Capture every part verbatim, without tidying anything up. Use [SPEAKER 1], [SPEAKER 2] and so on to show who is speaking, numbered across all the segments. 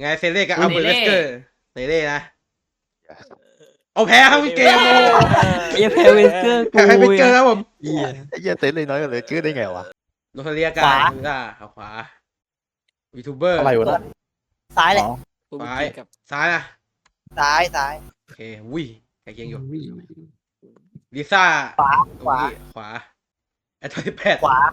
[SPEAKER 1] ไงเซเล่กับอัลเบิร์ตเวสเกอร์เซเล่นะเอาแพ้ครับเกมโอ้
[SPEAKER 2] ไอ้แพ้เวสเกอร์กู
[SPEAKER 1] แพ้เวสเกอร์ครับผม
[SPEAKER 3] เหี้ยไอ้เหี้ยเต้นเลยน้อยกว่าเลยชื่อได้ไงวะ
[SPEAKER 1] โนเทเลียกันอ่าเอาขวายูทูบเบอร์
[SPEAKER 4] อะไรวะเนี่ย
[SPEAKER 5] ซ้ายแหละ
[SPEAKER 1] ซ้ายซ้ายนะ
[SPEAKER 5] ซ้ายซ้าย
[SPEAKER 1] โอเควิ่งไก่เกียงอยู่ลิซ่า
[SPEAKER 5] ขวาขวา
[SPEAKER 1] ขวาไอ้ทอยแพด
[SPEAKER 5] ขวา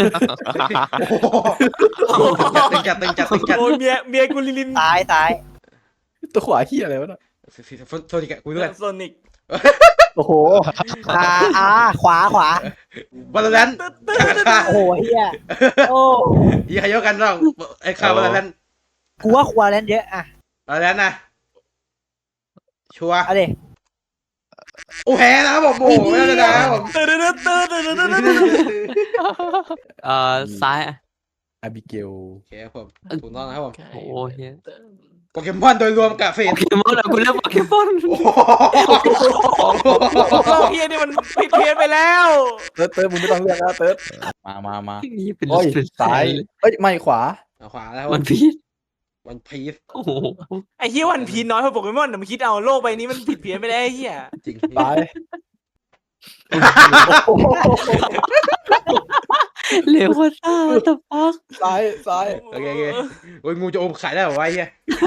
[SPEAKER 1] ตึงจัดตึงจัดตึงจัด
[SPEAKER 6] โอ้ยเมียเมียกูลิลิน
[SPEAKER 5] ซ้ายซ้าย
[SPEAKER 4] ตัวขวาขี้ยอะไรวะเนี่ย
[SPEAKER 1] โทษทีแกคุยด้วย
[SPEAKER 6] โซนิก
[SPEAKER 4] โอ้โห
[SPEAKER 5] อ่าอ่าขวาขวา
[SPEAKER 1] บอลลันการฆ่า
[SPEAKER 5] โอ้โหเฮียโอ้
[SPEAKER 1] ยี่ใครเยอะกันบ้างไอ้ข่าวบอลลัน
[SPEAKER 5] กูว่าควาเลนเยอะอ่ะ
[SPEAKER 1] บอลลันนะชัวร์
[SPEAKER 5] เอาดิ
[SPEAKER 1] โอ้แพ้นะครับผมโอ้ไม่ได้นะครับผม
[SPEAKER 6] ตื่นตื่นตื่นตื่นตื่นตื่น
[SPEAKER 2] เอ่อซ้าย
[SPEAKER 4] อาบิเกล
[SPEAKER 1] โอเคครับผมถูกต้องนะครับผม
[SPEAKER 2] โอ้เฮีย
[SPEAKER 1] โปเกมอนโดยรวมกับเฟส
[SPEAKER 2] โปเกมอนอะกูเลือกโปเกมอน
[SPEAKER 1] โอ้
[SPEAKER 6] เราเฮียนี่มันผิดเพี้ยนไปแล้ว
[SPEAKER 4] เติร์ดเติร์ดมึงไม่ต้องเลือกแล้วเติร์ดมามามา
[SPEAKER 2] นี่เป็น
[SPEAKER 4] โอ้ย
[SPEAKER 2] เป็น
[SPEAKER 4] ซ้ายเอ้ยไม่ขวา
[SPEAKER 1] ขวาแล้ว
[SPEAKER 2] มันพีช
[SPEAKER 1] วันพีซ
[SPEAKER 2] โอ้โห
[SPEAKER 6] ไอ้เฮียวันพีน้อยกว่าโปเกมอนแต่มึงคิดเอาโลกใบนี้มันผิดเพี้ยนไปแล้วไอ้เฮีย
[SPEAKER 1] จริง
[SPEAKER 4] ซ้าย
[SPEAKER 2] เร็วกว่าซ่าตะปัก
[SPEAKER 4] ซ้ายซ้าย
[SPEAKER 1] โอเคโอเคโอ้ยงูจะอมไข่ได้เหรอวะเฮีย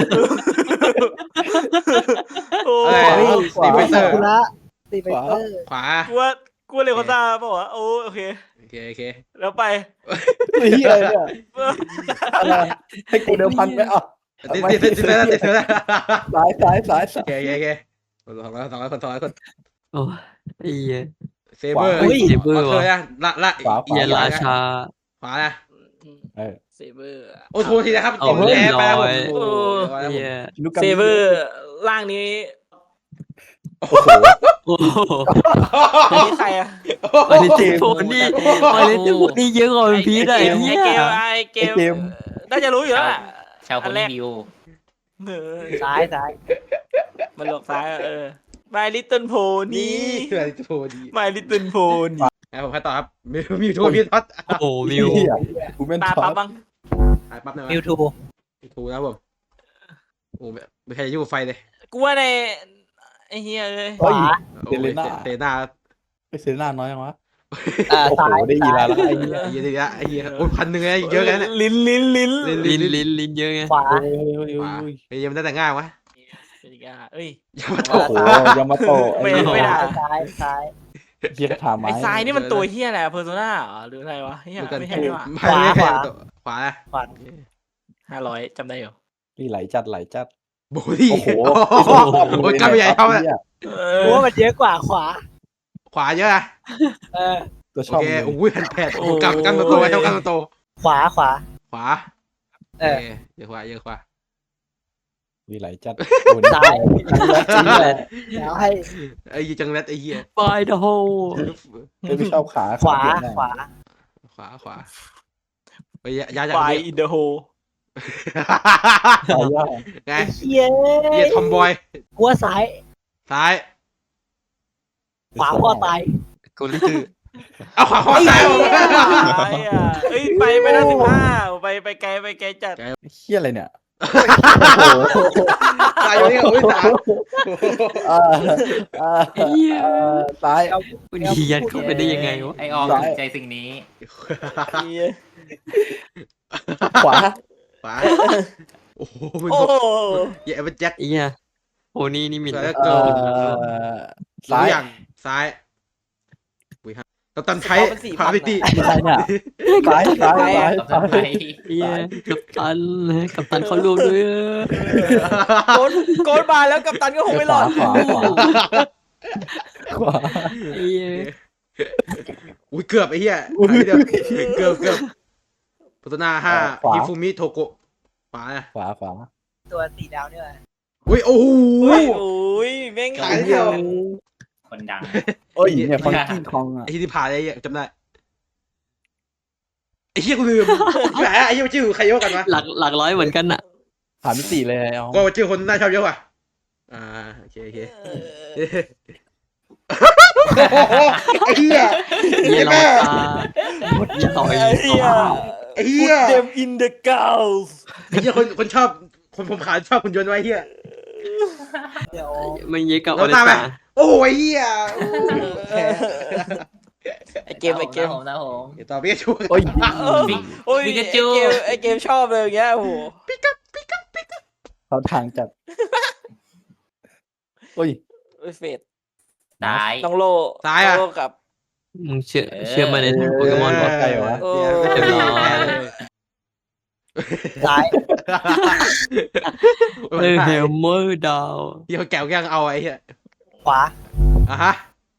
[SPEAKER 6] โอ้
[SPEAKER 1] อะไร
[SPEAKER 6] ย
[SPEAKER 1] สตีเฟนเตอร์
[SPEAKER 5] คุระสตีเฟนเตอร์
[SPEAKER 1] ขวา
[SPEAKER 6] กูว่ากูเร็วกว่าตาเปล่าวะโอ้โอเค
[SPEAKER 1] โอเคโอเค
[SPEAKER 6] แล้วไป
[SPEAKER 4] ไอ้เหี้ยอะไรเนี่ยอะไรให้กูเดิมพันไหมอ่ะ
[SPEAKER 1] ติดติดติดติดแล้วติดแล้ว
[SPEAKER 4] ซ้ายซ้ายซ้าย
[SPEAKER 1] โอเคโอเคโอเคสองร้อยสองร้อยคนสองร้อยคน
[SPEAKER 2] โอ้ไอ้เหี้ย
[SPEAKER 1] เซเบอร์
[SPEAKER 2] เซเบอร์
[SPEAKER 1] เค
[SPEAKER 2] วะ
[SPEAKER 1] ยนะละละ
[SPEAKER 2] เฮียราชา
[SPEAKER 1] ขวานะ
[SPEAKER 4] เออ
[SPEAKER 6] เซเบอร์
[SPEAKER 1] โอ้โทษทีนะครับ
[SPEAKER 2] เอา
[SPEAKER 1] เกม
[SPEAKER 2] เรีย
[SPEAKER 1] แพ้
[SPEAKER 2] บ
[SPEAKER 1] ไป
[SPEAKER 2] ร้
[SPEAKER 1] แล้ว
[SPEAKER 2] อย
[SPEAKER 1] โอ้
[SPEAKER 2] เฮีย
[SPEAKER 4] ลูกกา
[SPEAKER 6] เซเบอร์ร่างนี้
[SPEAKER 2] โอ้โห
[SPEAKER 6] อันนี้ใครอะ
[SPEAKER 2] มาเลเซียโฟนี่มาเลเซียโฟนี่เยอะกว่าเป็นพีชอะไอ้เหี้
[SPEAKER 6] ไอ้
[SPEAKER 2] ย
[SPEAKER 6] เกมไอ้เกมน่าจะรู้อยู่แล้วอะ
[SPEAKER 7] ชาวคนรีวิว
[SPEAKER 6] เออ
[SPEAKER 5] ซ้ายซ้าย
[SPEAKER 6] มันหลอกซ้ายอะเออ My Little
[SPEAKER 1] นี่
[SPEAKER 6] Pony
[SPEAKER 1] คืออะไรโทษดี
[SPEAKER 6] My Little Pony
[SPEAKER 1] นะผมไปต่อครับมีมีทูมีท็อต
[SPEAKER 2] โอ้โหมิว
[SPEAKER 4] เหี้ยกูเป็น
[SPEAKER 6] ตา
[SPEAKER 4] ท็อ
[SPEAKER 6] ปั๊บ
[SPEAKER 4] ป
[SPEAKER 6] บ้าง
[SPEAKER 1] ถ่ายปั๊บหน่อย
[SPEAKER 5] มิวทู
[SPEAKER 1] มีทูนะผมโอ้ไม่ใครจะยุ่งไฟเลย
[SPEAKER 6] กูว่าในไอ้เฮียเลย
[SPEAKER 5] ขวา
[SPEAKER 1] เซเลน่าเซเลน่า
[SPEAKER 4] ไอเซน่าน้อยยังวะ
[SPEAKER 5] อ่า
[SPEAKER 4] โอ้โห
[SPEAKER 5] ซ้าย
[SPEAKER 4] ได้ยี
[SPEAKER 5] ซ้า
[SPEAKER 4] ราย แล้วไอ้เหี้ย
[SPEAKER 1] ไอ้เหี้ยไอ้เหี้ยไอ้เหี้ยโอ้พันหนึ่งเลยเยอะกันเนี่ย
[SPEAKER 6] ลิ้นลิ้นลิ้น
[SPEAKER 2] ลิ้นลิ้นลิ้นเยอะไง
[SPEAKER 5] ขวา
[SPEAKER 4] เฮ้ยเฮ้ยเฮ้ย
[SPEAKER 1] ขวา
[SPEAKER 4] เฮ้ย
[SPEAKER 1] เฮ้ยยังไม่ได้แต่งง่ายวะ
[SPEAKER 6] เป็นอีกอ่ะเอ้ย
[SPEAKER 1] ยังมาโต
[SPEAKER 4] โอ้โหยามาโตะ
[SPEAKER 6] ไม่
[SPEAKER 4] ไอ้เหี้ย
[SPEAKER 6] ไม่ได้
[SPEAKER 5] ซ้ายซ้าย
[SPEAKER 4] เหี้ยถามไหม
[SPEAKER 6] ไอ้ทรายนี่มันตัวเฮียอะไรเพอร์โซนาหรืออะไรวะเฮียไม่ใช่นี่หว่า
[SPEAKER 1] ไม่ไม่ใช่ขวา
[SPEAKER 5] ขวา
[SPEAKER 6] ห้าร้อยจำได้อยู่
[SPEAKER 4] นี่ไหลจัดไหลจัด
[SPEAKER 1] โบลี่
[SPEAKER 4] โอ้โห
[SPEAKER 1] โอ้ยกล้ามใหญ่เท่าเลย
[SPEAKER 6] เอ
[SPEAKER 5] กู
[SPEAKER 6] อ
[SPEAKER 5] ว่ามันเยอะกว่าขวา
[SPEAKER 1] ขวาเยอะอะ
[SPEAKER 5] เออ
[SPEAKER 4] ตัวช
[SPEAKER 1] โอ
[SPEAKER 4] อบ
[SPEAKER 1] เค
[SPEAKER 4] เลย
[SPEAKER 1] โอ้ยพันแปดโอ้กล้ามกล้ามโตไว้เท่ากล้ามโต
[SPEAKER 5] ขวาขวา
[SPEAKER 1] ขวา
[SPEAKER 5] เออ
[SPEAKER 1] เยอะขวาเยอะขวา
[SPEAKER 4] มีไหลจัด
[SPEAKER 5] ซ้าย เดี๋ยวให้
[SPEAKER 1] ไอ้ยี่จังเล็ดไอ้เหี้ย
[SPEAKER 2] บายเดอะโฮ
[SPEAKER 4] ไม่ชอบขา
[SPEAKER 5] ขวา
[SPEAKER 4] เปลี่ยนหน้
[SPEAKER 5] ขวา
[SPEAKER 1] ขวาขวาไปยาอยาก
[SPEAKER 6] ไฟ
[SPEAKER 1] นี้
[SPEAKER 6] อินเดอะโฮ
[SPEAKER 4] ขวายาก
[SPEAKER 1] ไง
[SPEAKER 5] เฮีย
[SPEAKER 1] เหี้ยทอมบอย
[SPEAKER 5] กูว่าซ้าย
[SPEAKER 1] ซ้าย
[SPEAKER 5] ขวาก็ตาย
[SPEAKER 2] กูรู้คือ
[SPEAKER 1] เอาขวาขวาซ้าย
[SPEAKER 6] ไอ้อ่ะเอ้ยไปไปได้สิบห้าไปไปไกลไปไกลจัด
[SPEAKER 4] เฮี้ยอะไรเนี่ย
[SPEAKER 1] ซ้ายอยู่นี่โอ้ยสาม
[SPEAKER 4] อ่าอ่า
[SPEAKER 2] ไอ้เหี้ย
[SPEAKER 4] อ่าซ้าย
[SPEAKER 2] มันเฮียนเข้าไปได้ยังไงวะ
[SPEAKER 7] ไอออมถูกใจสิ่งนี้
[SPEAKER 4] ขวา
[SPEAKER 1] ขวาโอ้โหมึง
[SPEAKER 6] โอ้
[SPEAKER 1] เหี้ยเป็นแจ็ค
[SPEAKER 2] ไอ้เหี้ยโอ้นี่นี่มิน
[SPEAKER 1] แล้ว
[SPEAKER 4] เอ่
[SPEAKER 1] ก็
[SPEAKER 4] อ
[SPEAKER 1] ซ้า
[SPEAKER 4] ซ้าย ย
[SPEAKER 1] อย่างซ้ายอุ้ยฮะกัปตันใช้พาพิตี้
[SPEAKER 4] อะไรเนี่ยซ้ายซ้ายซ้าย
[SPEAKER 7] กับ
[SPEAKER 4] ซ้า
[SPEAKER 7] ทำไม
[SPEAKER 4] ย
[SPEAKER 2] เฮียกัปตันกัปตันเขารวมด้วย
[SPEAKER 6] โกนโกนมาแล้วกัปตันก็คงไม่รอด
[SPEAKER 4] ขวาขวาขวา
[SPEAKER 2] เฮีย
[SPEAKER 1] อุ้ยเกือบไอ้เหี้ยเดียวเกือบเกือบพัฒนาห้าฮิฟูมิโทโกะขวา
[SPEAKER 4] ขวาขวา
[SPEAKER 5] ตัวสีดาวเนี่ย
[SPEAKER 1] อุ้ยโอ้โห
[SPEAKER 6] โอ้ยโอ้ยแม่ง
[SPEAKER 1] ขายเดียว
[SPEAKER 7] คนดัง
[SPEAKER 4] เอ้ยเนี่ยฟังกิ้งคองอ่ะ
[SPEAKER 1] ไอ้ที่ผ่านไอ้เหี้ยจำได้ไอ้เหี้ยกูลืมแหมไอ้เหี้ยชื่อใครเยอะกันวะ
[SPEAKER 2] หลักหลักร้อยเหมือนกันอะ
[SPEAKER 4] ผ่านมิติเลยเอา
[SPEAKER 1] ก็ชื่อคนน่าชอบเยอะกว่าอ่าโอเคโอเคไอ้เหี้ย
[SPEAKER 2] เฮียรอตาเฮียต่อย
[SPEAKER 6] ไอ้เหี้ย
[SPEAKER 1] ไอ้เหี้ย
[SPEAKER 6] Put them in the gulf
[SPEAKER 1] ไอ้เหี้ยคนคนชอบคนผมขาวชอบคุณยนต์ไว้เฮีย
[SPEAKER 5] เดี๋ยว
[SPEAKER 2] มันเยอะกับ
[SPEAKER 1] แล้
[SPEAKER 2] อ
[SPEAKER 1] ว
[SPEAKER 2] เล
[SPEAKER 1] ตามไป
[SPEAKER 2] สา
[SPEAKER 1] โอ้ยเฮียแพ้
[SPEAKER 6] ไอเกมไอเกม
[SPEAKER 7] ผมนะผม
[SPEAKER 1] เดี๋ยวต่อพี่ชู
[SPEAKER 4] โอ้ย
[SPEAKER 6] โอ้ย
[SPEAKER 7] ปิ
[SPEAKER 6] ไอก
[SPEAKER 7] า
[SPEAKER 6] เก
[SPEAKER 7] จู
[SPEAKER 6] มไอเกมชอบเลยอย่างเงี้ยโอ้โห
[SPEAKER 4] เขาทางจัดโอ้ย
[SPEAKER 6] เอ้ยเฟด
[SPEAKER 7] ตาย
[SPEAKER 6] น้องโล
[SPEAKER 1] ตายอ่ะ
[SPEAKER 6] น้งโลกับ
[SPEAKER 2] มึงเชื่อเชื่อมาในทางโปเกมอน
[SPEAKER 4] เ
[SPEAKER 2] บอก
[SPEAKER 4] ไกลวะ
[SPEAKER 6] โอ้
[SPEAKER 1] เดี๋ยวไม่มีแพ้เลย
[SPEAKER 5] ซ้าย
[SPEAKER 2] เออเฮลเมอร์ดาว
[SPEAKER 1] เฮียแก้วยังเอาไอ้เฮีย
[SPEAKER 5] ขวา
[SPEAKER 1] อ่ะฮะ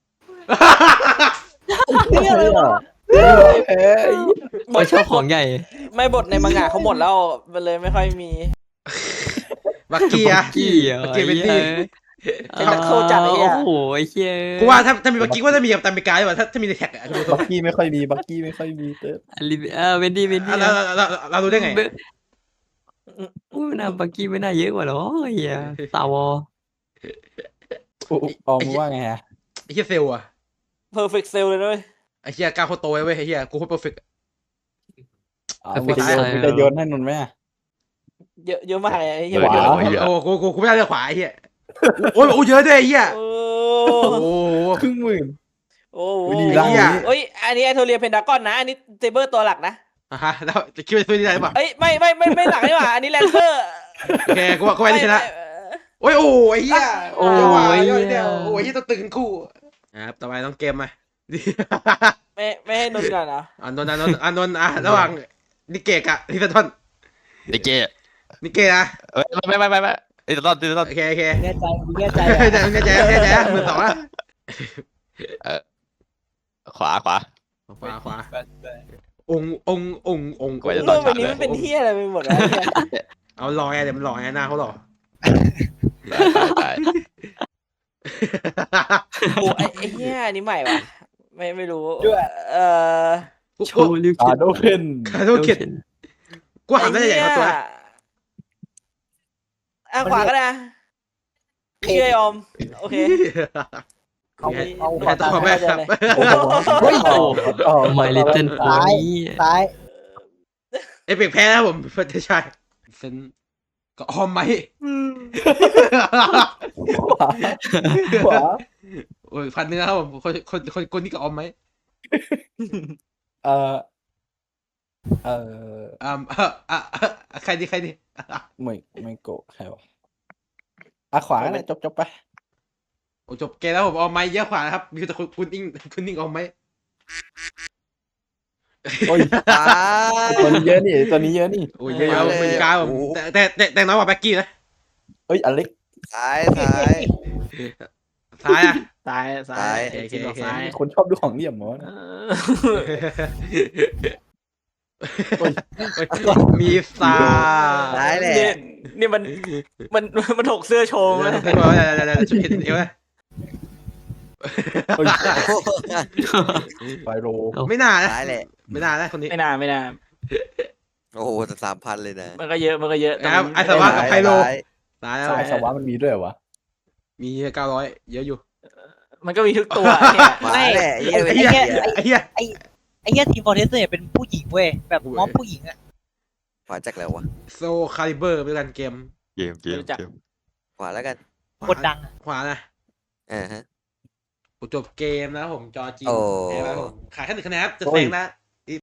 [SPEAKER 5] เนี่ยอะไรวะ
[SPEAKER 4] แพ้ไอ้
[SPEAKER 2] ไม่ชอบของใหญ่
[SPEAKER 6] ไม่บทในมังงะเขาหมดแล้วมันเลยไม่ค่อยมี
[SPEAKER 1] บักกี้อะ
[SPEAKER 2] กี้เหรอ
[SPEAKER 1] บักกี้เป็นที่
[SPEAKER 2] ไอ้เหี้ยโอ้โหไอ้เหี้ย
[SPEAKER 1] กูว่าถ้าถ้ามีบักกี้ก็จะมีกับตันเมกาดีกว่าถ้าถ้ามีในแท็กอะดูตร
[SPEAKER 4] บั
[SPEAKER 1] ง
[SPEAKER 4] กกี้ไม่ค่อยมีบักกี้ไม่ค่อยมีเติร์ด
[SPEAKER 2] อลิเออเวนดี้เวนดี้
[SPEAKER 1] เราเราเราเรารู้ได้ไง
[SPEAKER 2] อุ้ยน่าบักกี้ไม่น่าเยอะกว่าหรอเฮียสาวอ
[SPEAKER 4] อุ๊ยออมว่าไงฮะ
[SPEAKER 1] ไอ้เฮียเซลอะ
[SPEAKER 6] เพอร์เฟกต์เซลเลยด้วย
[SPEAKER 1] ไอ้เฮียก้าวโคตรโตไว้เว้ยไอ้เฮียกูโคตรเพอร์เฟกต์
[SPEAKER 4] เอามึงจะโยนมึงจะโยนให้นนท์ไหมอะ
[SPEAKER 6] เยอะเยอะมากเลยไอ้เหี้ย
[SPEAKER 4] ขวา
[SPEAKER 1] โอ้กูกูกูไม่ได้เลือกขวาไอ้เฮียโอ้ยโอ้เยอะด้วยไอ้เฮีย
[SPEAKER 6] โอ้
[SPEAKER 1] โอ้โห
[SPEAKER 4] ครึ่งหมื่น
[SPEAKER 6] โอ้
[SPEAKER 4] อุ๊ยดี
[SPEAKER 1] ไอ้เหี้ย
[SPEAKER 6] เอ้ยอันนี้ไอโทเรียเพนดากอนนะ อันนี้เซเบอร์ตัวหลักนะ
[SPEAKER 1] อ่ะฮะแล้วจะคิดว่าซื้อได้หรือเปล่า
[SPEAKER 6] เอ้ยไม่ไม่ไม่ไม่หลักนี่หว่าอันนี้แลนเซอร์
[SPEAKER 1] โอเคกูว่ากูว่านี่ชนะโอ้ยโอ้ยไอ้เฮีย
[SPEAKER 2] โอ้
[SPEAKER 1] ย
[SPEAKER 2] ย
[SPEAKER 1] เดี๋ยวเดี๋ยวโอ้ยเฮียต้องตื่นคู่ครับต่อไปต้องเกมมา
[SPEAKER 6] ไม่ไม่ให้นนท์ก่อนเหรอ
[SPEAKER 1] อันนนท์อันนนท์อันนนท์อ่ะระหว่างนิเกะกับลิซาทอน
[SPEAKER 3] ไอ้เก้
[SPEAKER 1] นิเกะนะ
[SPEAKER 3] เอ้ยไม่ไม่ไม่ไม่ไอ้ตอนตอน
[SPEAKER 1] โอเคโอเค
[SPEAKER 5] แน่ใจแน่ใจ
[SPEAKER 1] แน่ใจแน่ใจแน่ใจมือสองอ่ะ
[SPEAKER 3] ขวาขวา
[SPEAKER 1] ขวาขวาองค์องค์องค์องค์
[SPEAKER 3] กว่าจะ
[SPEAKER 6] โล
[SPEAKER 3] ต้อก ง
[SPEAKER 6] ใบนี้มันเป็นเฮียอะไรไปหมดวะเนี่ย
[SPEAKER 1] เอาหล่อไงเดี๋ยวมันหล่อไงหน้าเขาหล่อ
[SPEAKER 3] ตาย
[SPEAKER 6] โอ้ไอ้ไอ้เฮียอันนี้ใหม่วะไม่ไม่รู้เออ
[SPEAKER 1] กู
[SPEAKER 2] โช
[SPEAKER 1] กู
[SPEAKER 2] ว์ลิว
[SPEAKER 4] ตาโดเคน
[SPEAKER 1] คาโดเกตกูหันได้ใหญ่กว่าตัว
[SPEAKER 6] อ่ะขวาก็ได้นะเชื่อยอมโอเค
[SPEAKER 5] เอาเอา
[SPEAKER 1] ขอขอแม่ครับ
[SPEAKER 4] เฮ้ยโอ้โห
[SPEAKER 2] ไมลิตเติ้ลโพนี่
[SPEAKER 5] ซ้าย
[SPEAKER 1] เอฟเฟกแพ้แล้วผมเพื่อนใช่เซนก็ออมไหม
[SPEAKER 4] ขวาขวา
[SPEAKER 1] โอ้ยพันหนึงนะครับผมคนคนคนคนนี้ก็ออมไหม
[SPEAKER 4] เออเออ
[SPEAKER 1] อ่าอ่าอ่าใครดีใครดี
[SPEAKER 4] ไม่ไม่โกะใครวะอ่ะขวาก็ได้จบจบไป
[SPEAKER 1] โอ้จบเกมแล้วผมออมไหมเยอะกว่านะครับมีแต่คุณคุณอิงคุณอิงออมไหม
[SPEAKER 4] โอ้ยตัวนี้เยอะนี่ตัวนี้เยอะนี่
[SPEAKER 1] โอ้ยเยอะๆเป็นกาผมแต่แต่แต่แต่น้อยกว่าแบ็กกี้นะ
[SPEAKER 4] เอ้ยอเล็ก
[SPEAKER 8] ซ้ายซ้าย
[SPEAKER 1] ซ้ายอ่ะ
[SPEAKER 6] ซ้ายซ้าย
[SPEAKER 1] โอเคโอเค
[SPEAKER 6] ซ้าย
[SPEAKER 4] คนชอบดูของเหลี่ยมหมดนะ
[SPEAKER 1] มีซา
[SPEAKER 8] ซ้ายแหละ
[SPEAKER 6] นี่นี่มันมันมันถกเสื้อโชว์
[SPEAKER 1] เดี๋
[SPEAKER 6] มั้
[SPEAKER 1] ยวย เดี๋ยวเดี๋ยวเดี๋ยวชุดเห็นเอวนะ
[SPEAKER 4] เฮ้ยไฟโร
[SPEAKER 1] ไม่น่านะ
[SPEAKER 8] ซ้ายแหละ
[SPEAKER 1] ไม่น่านะคนนี้
[SPEAKER 6] ไม่นานไม่นาน
[SPEAKER 8] โอ้โหแต่สามพันเลยนะ
[SPEAKER 6] มันก็เยอะมันก็เยอะแต่
[SPEAKER 1] ครับ
[SPEAKER 6] มัน
[SPEAKER 1] ไอสวะกับไพโล
[SPEAKER 8] ซ้าย
[SPEAKER 1] ซ้ายแล้ว
[SPEAKER 4] สายสวะมันมีด้วยเหรอวะ
[SPEAKER 1] มีเก้าร้อยเยอะอยู่
[SPEAKER 6] มันก็มีทุกตัวเนี่ย
[SPEAKER 8] มาแหละ
[SPEAKER 1] ไอ้เหี้ยไอ้เหี้ย
[SPEAKER 5] ไอ้เหี้ยทีมฟอร์เทสเนี่ยเป็นผู้หญิงเว้ยแบบมอมผู้หญิงอะ
[SPEAKER 8] ขวาจากแล้ววะ
[SPEAKER 1] โซคาลิเบอร์เป็นการเกม
[SPEAKER 3] เกมเกมเกม
[SPEAKER 8] ขวาแล้วกัน
[SPEAKER 5] กดดังอะ
[SPEAKER 1] ขวานะ
[SPEAKER 8] อ่าฮะ
[SPEAKER 1] จบเกมแล้วผมจอจีน
[SPEAKER 8] โอ้
[SPEAKER 1] แพ้แล้วผมขายแค่หนึ่งคะแนนครับจะแซงนะ